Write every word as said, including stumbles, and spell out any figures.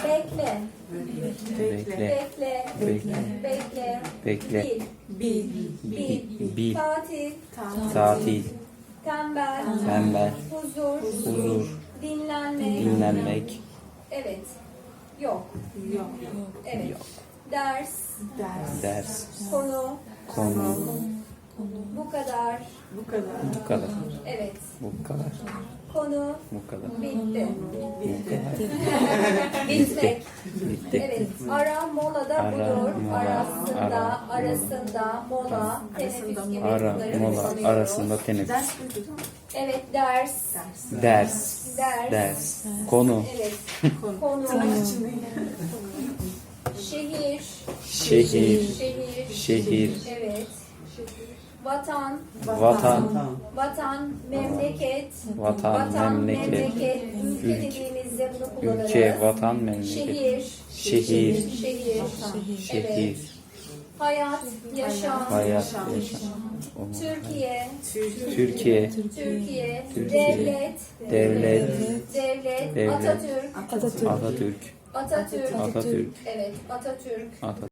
Bekle. Bekle. Bekle. Bekle. Bekle. Bekle. Bil. Bil. Bil. Bil. Tatil. Tatil. Tembel. Tembel. Huzur. Huzur. Dinlenmek. Dinlenmek. Evet. Yok. Yok. Evet. Yok. Ders. Ders. Ders. Konu. Konu. Bu kadar. Bu kadar. Bu kadar. Evet. Bu kadar. Konu. Bu kadar. Bitti. Bu kadar. Bitmek. Bitti. Evet. Ara molada Ara, budur. mola, Arasında, ara, arasında, mola, teneffüs gibi Ara, bunları mola kullanıyoruz. arasında teneffüs. Ders buydu. Evet, ders. Ders. Ders. Ders. Ders. Konu. Evet. Konu. Konu. Tırnak içinde. Şehir. Şehir. Şehir. Şehir. Evet. Vatan. Vatan. Vatan, memleket. Vatan, memleket. Ülke Ülke. dediğimizde bunu kullanırız. Ülke, vatan, memleket. Şehir. Şehir. Şehir. Evet. Şehir. Hayat, yaşam. Hayat. Yaşam. Türkiye. Türkiye. Türkiye. Türkiye. Devlet. Devlet. Devlet. Devlet. Atatürk. Atatürk. Atatürk. Atatürk. Evet, Atatürk. Atatürk.